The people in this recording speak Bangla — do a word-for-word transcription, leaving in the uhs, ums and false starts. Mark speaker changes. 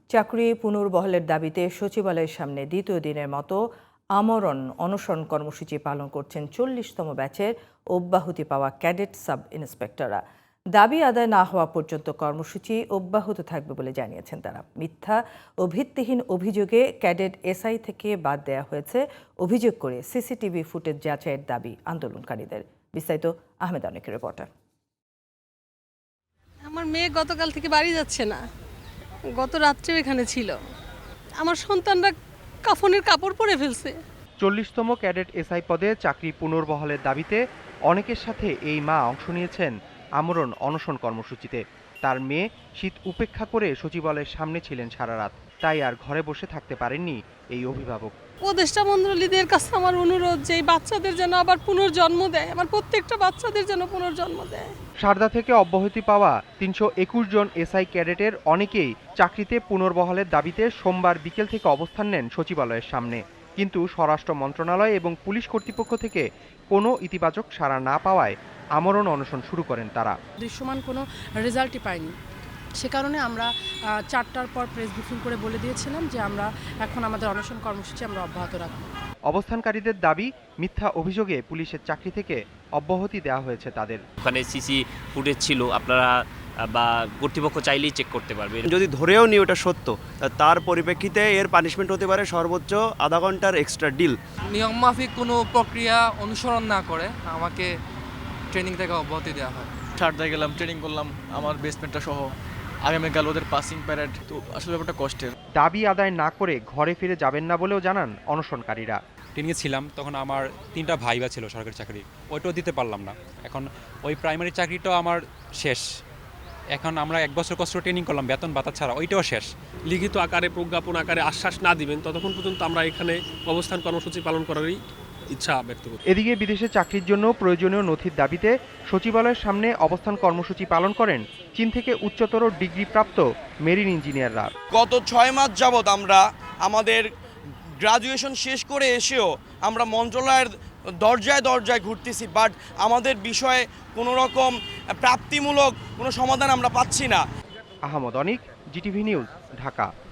Speaker 1: চাকরি পুনর্বহালের দাবিতে সচিবালয়ের সামনে দ্বিতীয় দিনের মতো আমরণ অনশন কর্মসূচি পালন করছেন চল্লিশতম ব্যাচের অব্যাহতি পাওয়া ক্যাডেট সাব ইন্সপেক্টররা। দাবি আদায় না হওয়া পর্যন্ত কর্মসূচি অব্যাহত থাকবে বলে জানিয়েছেন তারা। মিথ্যা ও ভিত্তিহীন অভিযোগে ক্যাডেট এসআই থেকে বাদ দেওয়া হয়েছে অভিযোগ করে সিসিটিভি ফুটেজ যাচাইয়ের দাবি আন্দোলনকারীদের। বিস্তারিত আহমেদ অনেকের রিপোর্টার।
Speaker 2: আমার মেয়ে গতকাল থেকে বাড়ি যাচ্ছে না, গত রাত্রেও এখানে ছিল। আমার সন্তানরা কাফনের কাপড় পরে ফেলছে।
Speaker 3: চল্লিশতম ক্যাডেট এসআই পদে চাকরি পুনর্বহালের দাবিতে অনেকের সাথে এই মা অংশ নিয়েছেন আমরণ অনশন কর্মসূচিতে। তার মেয়ে শীত উপেক্ষা করে সচিবালয়ের সামনে ছিলেন সারা রাত, তাই আর ঘরে বসে থাকতে পারেননি এই অভিভাবক।
Speaker 2: উপদেষ্টা মণ্ডলীদের কাছে আমার অনুরোধ যে এই বাচ্চাদের যেন আবার পুনর্জন্ম দেয়, আমার প্রত্যেকটা বাচ্চাদের যেন পুনর্জন্ম দেয়।
Speaker 3: সারদা থেকে অব্যাহতি পাওয়া তিনশো একুশ জন এসআই ক্যাডেটের অনেকেই চাকরিতে পুনর্বহালের দাবিতে সোমবার বিকেল থেকে অবস্থান নেন সচিবালয়ের সামনে, কিন্তু স্বরাষ্ট্র মন্ত্রণালয় এবং পুলিশ কর্তৃপক্ষ থেকে কোনো ইতিবাচক সাড়া না পাওয়ায় আমরণ অনশন শুরু করেন তারা।
Speaker 4: দৃশ্যমান কোনো রেজাল্টই পাইনি, সে কারণে আমরা চারটার পর প্রেস ব্রিফিং করে বলে দিয়েছিলাম যে আমরা এখন আমাদের অনশন কর্মসূচি আমরা অব্যাহত রাখব।
Speaker 3: অবস্থানকারীদের দাবি, মিথ্যা অভিযোগে পুলিশের চাকরি থেকে অব্যাহতি দেওয়া হয়েছে তাদের।
Speaker 5: ওখানে সিসি ফুটেজ ছিল, আপনারা বা কর্তৃপক্ষ চাইলেই চেক করতে পারবে।
Speaker 6: যদি ধরেও নি ওটা সত্য, তার পরিপ্রেক্ষিতে এর পানিশমেন্ট হতে পারে সর্বোচ্চ আধা ঘন্টার এক্সট্রা ডিল।
Speaker 7: নিয়ম মাফিক কোনো প্রক্রিয়া অনুসরণ না করে আমাকে ট্রেনিং থেকে অব্যাহতি দেওয়া হয়।
Speaker 8: সারদায় গেলাম, ট্রেনিং করলাম আমার বেসমেন্টটা সহ। আগামীকাল ওদের পাসিং প্যারেড, তো আসলে ব্যাপারটা কষ্টের।
Speaker 3: দাবি আদায় না করে ঘরে ফিরে যাবেন না বলেও জানান অনশনকারীরা।
Speaker 9: ট্রেনিংয়ে ছিলাম, তখন আমার তিনটা ভাইবা ছিল সরকারি চাকরি, ওইটাও দিতে পারলাম না। এখন ওই প্রাইমারি চাকরিটাও আমার শেষ। এখন আমরা এক বছর কষ্ট ট্রেনিং করলাম বেতন ভাতা ছাড়া, ওইটাও শেষ।
Speaker 10: লিখিত আকারে প্রজ্ঞাপন আকারে আশ্বাস না দিবেন ততক্ষণ পর্যন্ত আমরা এখানে অবস্থান কর্মসূচি পালন করারই ইচ্ছা ব্যক্ত করি।
Speaker 3: এদিকে বিদেশে চাকরির জন্য প্রয়োজনীয় নথির দাবিতে সচিবালয়ের সামনে অবস্থান কর্মসূচি পালন করেন চীন থেকে উচ্চতর ডিগ্রিপ্রাপ্ত মেরিন ইঞ্জিনিয়াররা।
Speaker 11: গত ছয় মাস যাবৎ আমরা আমাদের গ্রাজুয়েশন শেষ করে এসেও আমরা মন্ত্রণালয়ের দরজায় দরজায় ঘুরতেছি, বাট আমাদের বিষয়ে কোনো রকম প্রাপ্তিমূলক কোনো সমাধান আমরা পাচ্ছি না।
Speaker 3: Ahmed Anik, GTV news, Dhaka.